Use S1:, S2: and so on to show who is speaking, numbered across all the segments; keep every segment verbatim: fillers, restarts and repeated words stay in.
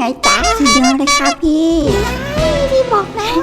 S1: งจ๊ะสุดยอดเลยค่ะพี่พี่บอกแล้ว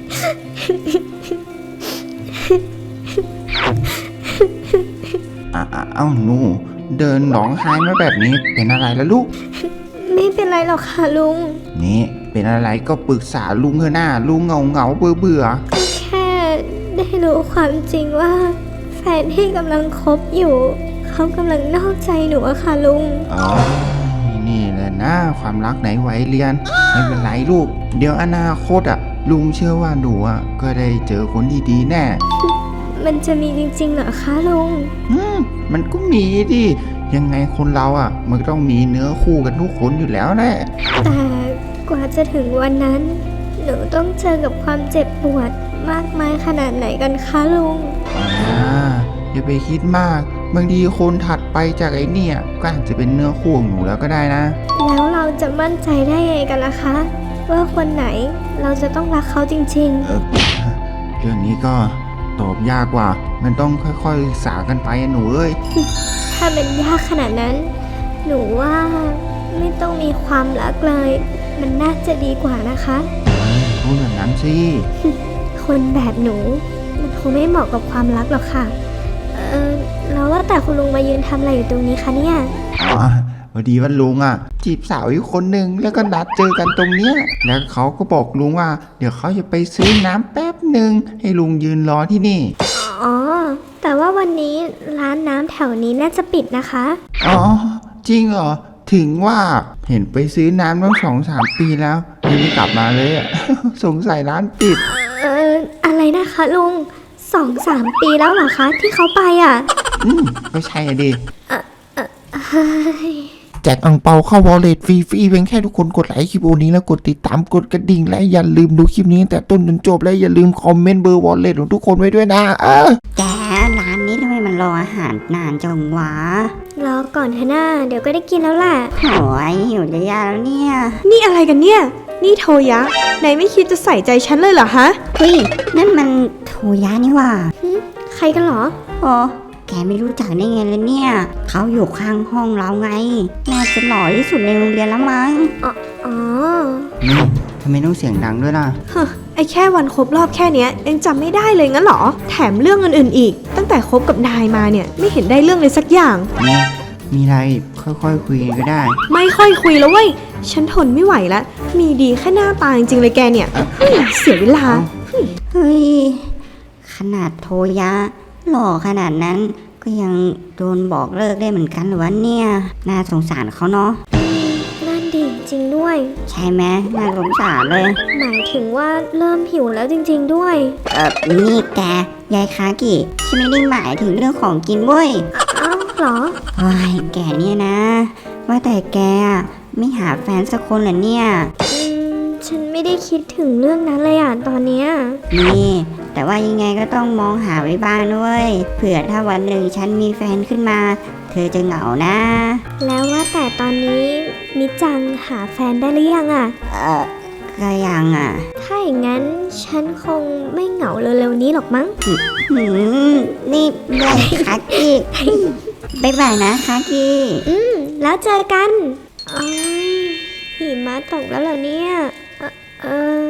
S2: เอ้าหนูเดินร้องไห้มาแบบนี้เป็นอะไรล่ะลูก
S3: ไม่เป็นไรหรอกค่ะลุง
S2: นี่เป็นอะไรก็ปรึกษาลุงเถอะหน้าลุงเงาเงาเบื่อเบื่อ
S3: แค่ได้รู้ความจริงว่าแฟนที่กำลังคบอยู่เขากำลังนอกใจหนูอะค่ะลุง
S2: อ๋อนี่แหละนะความรักไหนไหวเรียนไม่เป็นไรลูกเดี๋ยวอนาคตอ่ะลุงเชื่อว่าหนูอ่ะก็ได้เจอคนดีๆแน่
S3: มันจะมีจริงๆเหรอคะลุง
S2: อืมมันก็มีดิยังไงคนเราอ่ะมันต้องมีเนื้อคู่กันทุกคนอยู่แล้วแหละ
S3: แต่กว่าจะถึงวันนั้นหนูต้องเจอกับความเจ็บปวดมากมายขนาดไหนกันคะลุง
S2: อ่าอย่าไปคิดมากบางทีคนถัดไปจากไอ้เนี่ยก็อาจจะเป็นเนื้อคู่ของหนูแล้วก็ได้นะ
S3: แล้วเราจะมั่นใจได้ไงกันล่ะคะว่าคนไหนเราจะต้องรักเขาจริงๆ
S2: เออเรื่องนี้ก็ตอบยากกว่ามันต้องค่อยๆศึกษากันไปหนูเอ้ย
S3: ถ้ามันยากขนาดนั้นหนูว่าไม่ต้องมีความรักเลยมันน่าจะดีกว่านะคะ
S2: พูดอย่างนั้นสิ
S3: คนแบบหนูมันคงไม่เหมาะกับความรักหรอกค่ะเออแล้วว่าแต่คุณลุงมายืนทำอะไรอยู่ตรงนี้คะเนี่ย
S2: อ๋อพอดีว่าลุงอ่ะจีบสาวอีกคนหนึ่งแล้วก็นัดเจอกันตรงเนี้ยแล้วเขาก็บอกลุงว่าเดี๋ยวเขาจะไปซื้อน้ำแป๊บหนึ่งให้ลุงยืนรอที่นี่
S3: อ๋อแต่ว่าวันนี้ร้านน้ำแถวนี้น่าจะปิดนะคะ
S2: อ๋อจริงเหรอถึงว่าเห็นไปซื้อน้ำตั้งสองสามปีแล้วยังไม่กลับมาเลยอ่ะ สงสัยร้านปิด
S3: เอออะไรนะคะลุงสองสามปีแล้วเหรอคะที่เขาไปอ่ะ
S2: อืมก็ใช่ดิ
S3: เออเออเฮ้ย
S2: แจกอังเปาเข้าวอลเล็ตฟรีๆเพียงแค่ทุกคนกดไลค์คลิปนี้แล้วกดติดตามกดกระดิ่งและอย่าลืมดูคลิปนี้ตั้งแต่ต้นจนจบและอย่าลืมคอมเมนต์เบอร์วอลเล็ตของทุกคนไว้ด้วยนะเออ
S1: แกร้านนี้ทำไมมันรออาหารนานจังวะ
S3: รอก่อนเถอะนะเดี๋ยวก็ได้กินแล้วแหละ
S1: โอ้ยหิวจะยาแล้วเนี่ย
S4: นี่อะไรกันเนี่ยนี่โทยะไหนไม่คิดจะใส่ใจฉันเลยเหรอฮะ
S1: เฮ้ยนั่นมันโทยะนี่ว่า
S3: ใครกันเหรอ
S1: อ๋อแกไม่รู้จักได้ไงเลยเนี่ยเขาอยู่ข้างห้องเราไงน่าจะหล่อที่สุดในโรงเรียนแล้วมั้ง
S3: อ๋ออ๋อ
S2: นี่ทำไมต้องเสียงดังด้วยล่ะ
S4: ฮะไอแค่วันครบรอบแค่เนี้ยยังจำไม่ได้เลยงั้นหรอแถมเรื่องอื่นๆอีกตั้งแต่คบกับนายมาเนี่ยไม่เห็นได้เรื่องเลยสักอย่าง
S2: นี่มีอะไรค่อยๆ ค, คุยกันก็ได้
S4: ไม่ค่อยคุยแล้วเว้ยฉันทนไม่ไหวแล้วมีดีแค่หน้าตาจริงๆเลยแกเนี่ยเสียเวลา
S1: เฮ้ยขนาดโทยะหล่อขนาดนั้นก็ยังโดนบอกเลิกได้เหมือนกันหรือวะเนี่ยน่าสงสารเขาเนาะ
S3: นั่นดิจริงด้วย
S1: ใช่ไหมน่าสงสารเลย
S3: หมายถึงว่าเริ่มหิวแล้วจริงๆด้วย
S1: เออนี่แกยายคากิฉันไม่ได้หมายถึงเรื่องของกินเว้ย
S3: อ้าวเหรอ
S1: โอ้ยแกเนี่ยนะว่าแต่แกไม่หาแฟนสักคนเหรอเนี่ย
S3: อืมฉันไม่ได้คิดถึงเรื่องนั้นเลยอ่ะตอนเนี้ย
S1: นี่แต่ว่ายังไงก็ต้องมองหาไว้บ้างด้วยเผื่อถ้าวันหนึ่งฉันมีแฟนขึ้นมาเธอจะเหงานะ
S3: แล้วว่าแต่ตอนนี้มิจังหาแฟนได้หรือยังอ่ะ
S1: เออก็ยังอ่ะ
S3: ถ้าอย่างนั้นฉันคงไม่เหงาเร็วๆนี้หรอกมั้ง
S1: หืมนี่แม่คากิบ๊ายบายนะคากิ
S3: อืมแล้วเจอกันอ๋อหิมะตกแล้วเหรอเนี่ยเออเออ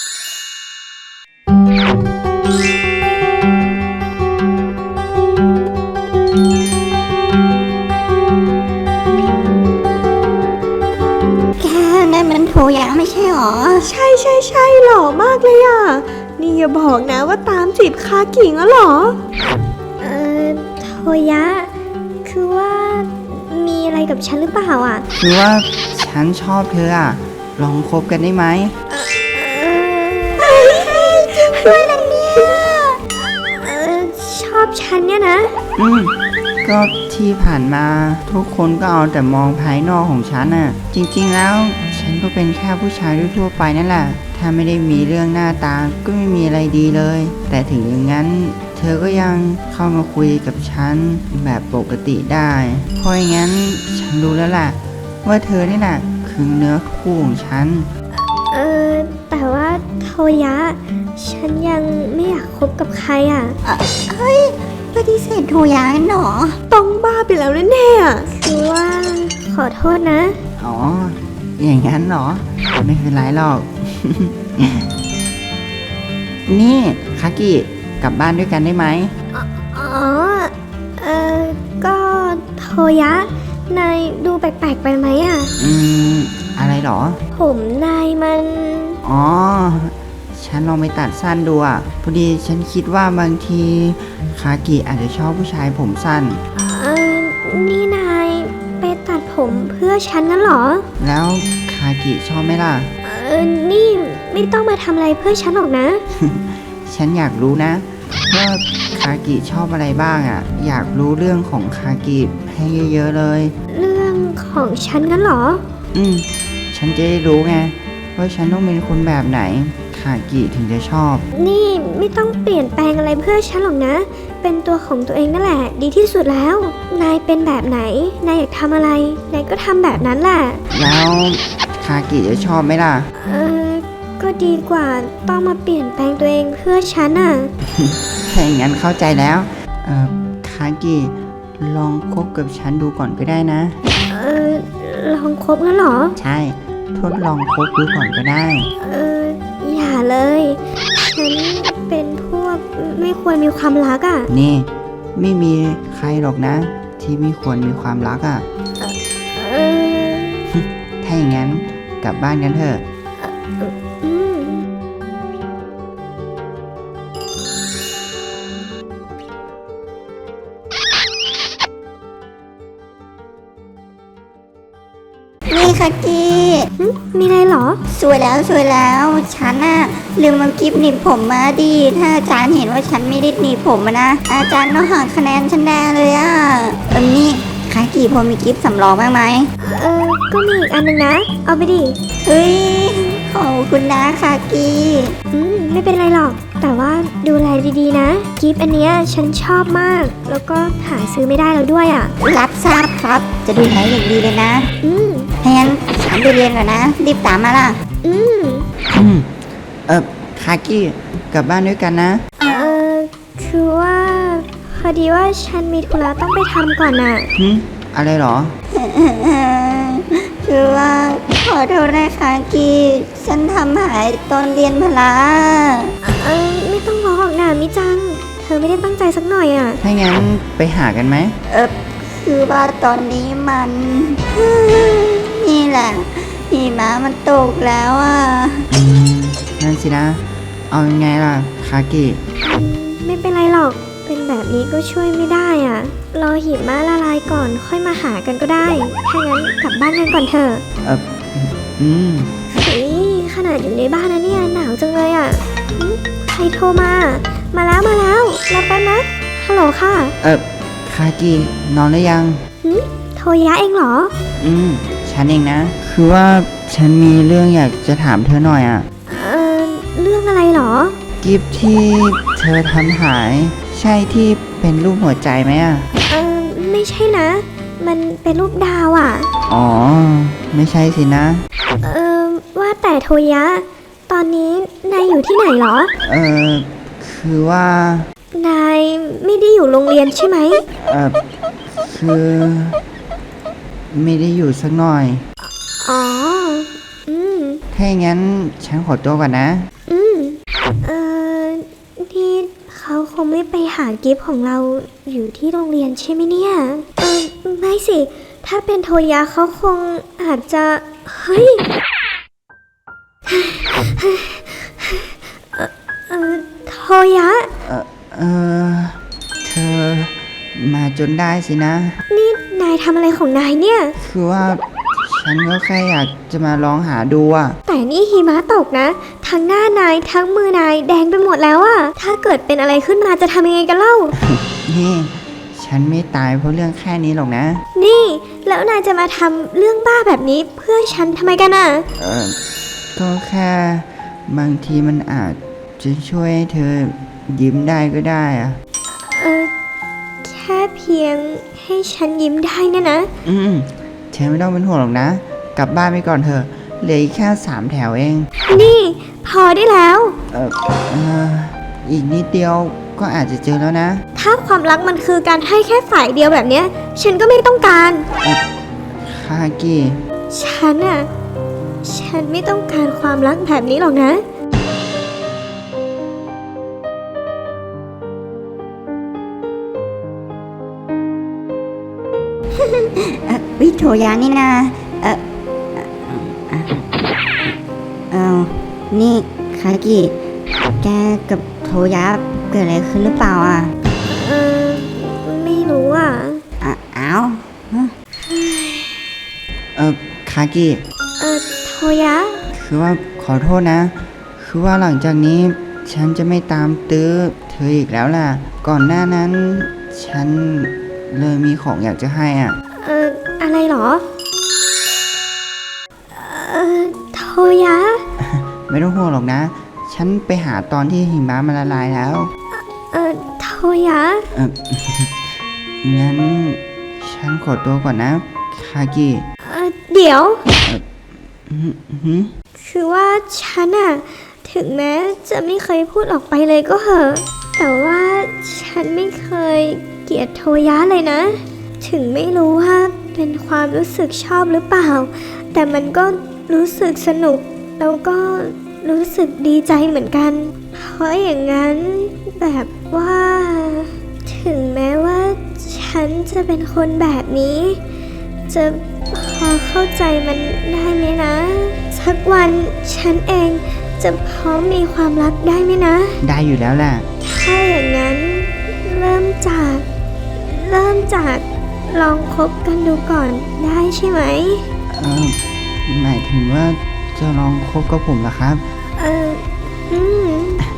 S1: โทยะไม่ใช่หรอ
S4: ใช่ใช่ใช่หล่อมากเลยอ่ะนี่อย่าบอกนะว่าตามจีบคากิงแล้วหรอ
S3: เออโทยะคือว่ามีอะไรกับฉันหรือเปล่าอ่ะ
S2: คือว่าฉันชอบเธออ่ะลองคบกันได้ไหม
S3: เออด้วยนะเนี่ยเออชอบฉันเนี่ยนะ
S2: อืมก็ที่ผ่านมาทุกคนก็เอาแต่มองภายนอกของฉันน่ะจริงๆแล้วฉันก็เป็นแค่ผู้ชายทั่วไปนั่นแหละถ้าไม่ได้มีเรื่องหน้าตาก็ไม่มีอะไรดีเลยแต่ถึงอย่างนั้นเธอก็ยังเข้ามาคุยกับฉันแบบปกติได้เพราะอย่างนั้นฉันรู้แล้วล่ะว่าเธอนี่แหละคือเนื้อคู่ของฉัน
S3: เออแต่ว่าโทยะฉันยังไม่อยากคบกับใครอ่ะ
S1: เฮ้ยปฏิเสธโทยะหรอ
S4: ต้องบ้าไปแล้วแน่ๆ
S3: คือว่าขอโทษนะ
S2: อ๋ออย่างนั้นเหรอ ไม่เป็นไรหรอก นี่คากิกลับบ้านด้วยกันได้ไหม
S3: อ๋อ เออก็โทยะ นายดูแปลกๆไปไหมอ่ะ
S2: อืม อะไรเหรอ
S3: ผมนายมัน
S2: อ๋อ ฉันลองไปตัดสั้นดูอ่ะ พอดีฉันคิดว่าบางทีคากิอาจจะชอบผู้ชายผมสั้น
S3: เออนี่นายไปตัดผมเพื่อฉันงั้นเหรอ
S2: แล้วคากิชอบไหมล่ะ
S3: เออนี่ไม่ต้องมาทำอะไรเพื่อฉันหรอกนะ
S2: ฉันอยากรู้นะว่าคากิชอบอะไรบ้างอ่ะ อยากรู้เรื่องของคากิให้เยอะๆเลย
S3: เรื่องของฉันงั้นเหรอ
S2: อืม ฉันจะได้รู้ไงว่าฉันต้องเป็นคนแบบไหนคากิถึงจะชอบ
S3: นี่ไม่ต้องเปลี่ยนแปลงอะไรเพื่อฉันหรอกนะ เป็นตัวของตัวเองนั่นแหละ ดีที่สุดแล้ว นายเป็นแบบไหน นายอยากทำอะไร นายก็ทำแบบนั้นแหละ
S2: แล้วคากิจะชอบไหมล่ะ
S3: เออก็ดีกว่าต้องมาเปลี่ยนแปลงตัวเองเพื่อฉันอ่ะ
S2: ถ้าอย่างนั้นเข้าใจแล้ว เอ่อคากิลองคบกับฉันดูก่อนก็ได้นะ
S3: เออลองคบงั้นเหรอ
S2: ใช่ ทดลองคบดูก่อนก็ได้
S3: เอออย่าเลย ฉันเป็นพวกไม่ควรมีความรักอ่ะ
S2: นี่ ไม่มีใครหรอกนะ ที่ไม่ควรมีความรักอะ่ะ
S3: เออ
S2: ถ้าอย่างนั้นกลับบ้านกันเถอะ
S3: อืม
S1: นี่คากิ
S3: มีอะไรเหรอ
S1: สวยแล้วสวยแล้ว ฉันน่ะลืมเอากิฟต์หนีบผมมาดี ถ้าอาจารย์เห็นว่าฉันไม่ได้หนีบผมอะนะ อาจารย์ต้องหักคะแนนฉันแน่เลยอะเออนี่คากิพอมีกิฟต์สำรองบ้างไหม
S3: เออ ก็มีอีกอันหนึงนะ เอาไปดิ
S1: เฮ้ย ขอบคุณนะคากิ
S3: อืม ไม่เป็นไรหรอก แต่ว่าดูแลดีๆนะ กิฟต์อันเนี้ยฉันชอบมาก แล้วก็หาซื้อไม่ได้แล้วด้วยอ่ะ
S1: รับทราบครับ จะดูแลอย่างดีเลยนะ
S3: อืม
S1: ถ้างั้นฉันไปเรียนก่อนนะ รีบตามมาล่ะ
S3: อืม
S2: อืม เออคากิกลับบ้านด้วยกันนะ
S3: เออคือว่า พอดีว่าฉันมีธุระต้องไปทำก่อนน่ะ
S2: หึ อะไรเหรอ
S1: คือว่าขอโทษนะคากิฉันทำหายตอนเรียนพละ
S3: เออ ไม่ต้องร้องหรอกนะมิจัง เธอไม่ได้ตั้งใจสักหน่อยอ่ะ
S2: ถ้างั้นไปหากันไหม
S1: เออคือว่าตอนนี้มัน นี่แหละหิมะมันตกแล้วอ่ะ
S2: อืม นั่นสินะ เอายังไงล่ะคากิ
S3: ไม่เป็นไรหรอก เป็นแบบนี้ก็ช่วยไม่ได้อ่ะ รอหิมะละลายก่อนค่อยมาหากันก็ได้ ถ้างั้นกลับบ้านกันก่อนเถอะ
S2: เอออืม
S3: เฮ้ยขนาดอยู่ในบ้านนะเนี่ยหนาวจังเลยอ่ะหึใครโทรมา มาแล้วมาแล้วรอแป๊บนะ ฮัลโหลค่ะ
S2: เออคากินอนหรือยัง
S3: หึโทรยะเองเหรอ
S2: อืม ฉันเองนะ คือว่าฉันมีเรื่องอยากจะถามเธอหน่อยอะ่ะ
S3: เออเรื่องอะไรเหรอ
S2: กิฟที่เธอทำหาย ใช่ที่เป็นรูปหัวใจไหมอะ่ะ
S3: เออไม่ใช่นะ มันเป็นรูปดาวอ่ะ
S2: อ๋อ ไม่ใช่สินะ
S3: เออว่าแต่โทยะ ตอนนี้นายอยู่ที่ไหนเหรอ
S2: เออคือว่า
S3: นายไม่ได้อยู่โรงเรียนใช่ไหม
S2: เออคือ ไม่ได้อยู่สักหน่อย
S3: อ๋อ อืม
S2: ถ้าอย่างนั้นฉันขอตัวก่อนนะ
S3: อืม เออนี่เขาคงไม่ไปหากิฟต์ของเราอยู่ที่โรงเรียนใช่ไหมเนี่ย เออไม่สิ ถ้าเป็นโทยะเขาคงอาจจะ เฮ้ย เอ่อเออโทยะ
S2: เออเออเธอมาจนได้สินะ
S3: นี่นายทำอะไรของนายเนี่ย
S2: คือว่าฉันก็แค่อยากจะมาลองหาดูอ่ะ
S3: แต่นี่หิมะตกนะ ทั้งหน้านายทั้งมือนายแดงไปหมดแล้วอะถ้าเกิดเป็นอะไรขึ้นมาจะทำยังไงกันเล่า
S2: นี่ ฉันไม่ตายเพราะเรื่องแค่นี้หรอกนะ
S3: นี่ แล้วนายจะมาทำเรื่องบ้าแบบนี้เพื่อฉันทำไมกันอะ
S2: เออก็แค่บางทีมันอาจจะช่วยให้เธอยิ้มได้ก็ได้อะ
S3: เออแค่เพียงให้ฉันยิ้มได้เนี่ยนะ
S2: อืมเธอไม่ต้องเป็นห่วงหรอกนะ กลับบ้านไปก่อนเถอะเหลืออีกแค่สามแถวเอง
S3: นี่ พอได้แล้ว
S2: เออเอออีกนิดเดียวก็อาจจะเจอแล้วนะ
S3: ถ้าความรักมันคือการให้แค่ฝ่ายเดียวแบบเนี้ย ฉันก็ไม่ต้องการ
S2: คากิ
S3: ฉันอะฉันไม่ต้องการความรักแบบนี้หรอกนะ
S1: เออวิโทยานี่นะเออเออเออนี่คากิแกกับโทยะเกิดอะไรขึ้นหรือเปล่าอ่ะ
S3: เออไม่รู้อ่ะ
S1: อ่ะอ้าว
S2: เออคากิ
S3: เออโทยะ
S2: คือว่าขอโทษนะ คือว่าหลังจากนี้ฉันจะไม่ตามตื้อเธออีกแล้วล่ะ ก่อนหน้านั้น ฉันเลยมีของอยากจะให้อ่ะ
S3: เอออะไรเหรอ เออโทยะ
S2: ไม่ต้องห่วงหรอกนะ ฉันไปหาตอนที่หิมะมันละลายแล้ว
S3: เออโทยะ
S2: เออ งั้นฉันขอตัวก่อนนะคากิ
S3: เออเดี๋ยว
S2: อืมหืม
S3: คือว่าฉันอะถึงแม้จะไม่เคยพูดออกไปเลยก็เหอะ แต่ว่าฉันไม่เคยเกลียดโทยะเลยนะ ถึงไม่รู้ว่าเป็นความรู้สึกชอบหรือเปล่า แต่มันก็รู้สึกสนุก แล้วก็รู้สึกดีใจเหมือนกัน เพราะอย่างนั้นแบบว่า ถึงแม้ว่าฉันจะเป็นคนแบบนี้ จะพอเข้าใจมันได้ไหมนะ สักวันฉันเองจะพร้อมมีความรักได้ไหมนะ
S2: ได้อยู่แล้วแหละ
S3: ถ้าอย่างนั้นเริ่มจาก เริ่มจากลองคบกันดูก่อนได้ใช่ไหม
S2: เออหมายถึงว่าจะลองคบกับผมเหรอครับ
S3: เอออืม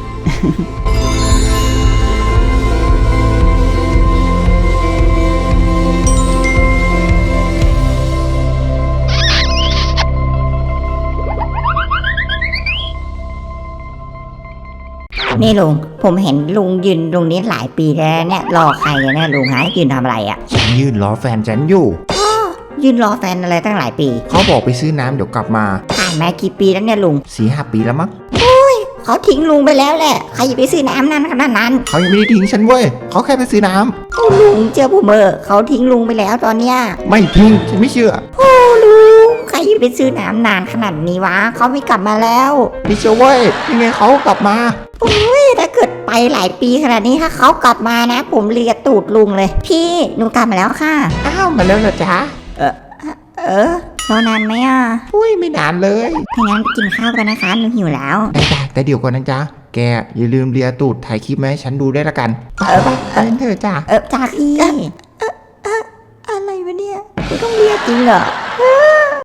S1: นี่ลุงผมเห็นลุงยืนตรงนี้หลายปีแล้วเนี่ยรอใครกันเนี่ยลุงฮะยืนทำอะไรอ่ะ
S5: ฉันยืนรอแฟนฉันอยู่
S1: ยืนรอแฟนอะไรตั้งหลายปี
S5: เขาบอกไปซื้อน้ำเดี๋ยวกลับมา
S1: ผ่านมากี่ปีแล้วเนี่ยลุง
S5: สี่ห้าปีแล้วมั้ง
S1: เขาทิ้งลุงไปแล้วแหละใครจะไปซื้อน้ำนั้นขนาดนั้น
S5: เขายังไม่ได้ทิ้งฉันเว้ยเขาแค่ไปซื้อน้ำ
S1: โอ้ลุงเจอผมเออเขาทิ้งลุงไปแล้วตอนเนี้ย
S5: ไม่ทิ้งฉันไม่เชื่อ
S1: โอ้ลุงใครจะไปซื้อน้ำนานขนาดนี้วะเขาไม่กลับมาแล้ว
S5: ไม่เชื่อเว้ยยังไงเขากลับมา
S1: ถ้าเกิดไปหลายปีขนาดนี้ถ้าเขากลับมานะ ผมเลียตูดลุงเลย พี่หนูกลับมาแล้วค่ะ
S5: อ้าวมาแล้วเหรอจ๊ะ
S1: เออรอนานไหมอ่ะ
S5: อุ้ยไม่นานเลย
S1: ถ้างั้นไปกินข้าวกันนะคะหนูหิวแล้ว
S5: ได้จ้ะแต่เดี๋ยวก่อนนะจ๊ะแกอย่าลืมเลียตูดถ่ายคลิปมาให้ฉันดูได้วยละกัน
S1: เออ
S5: ไปเถอะจ้ะ
S1: เออจ้าพี่เออเอออะไรวะเนี่ยกูต้องเรียกจริงเหรอ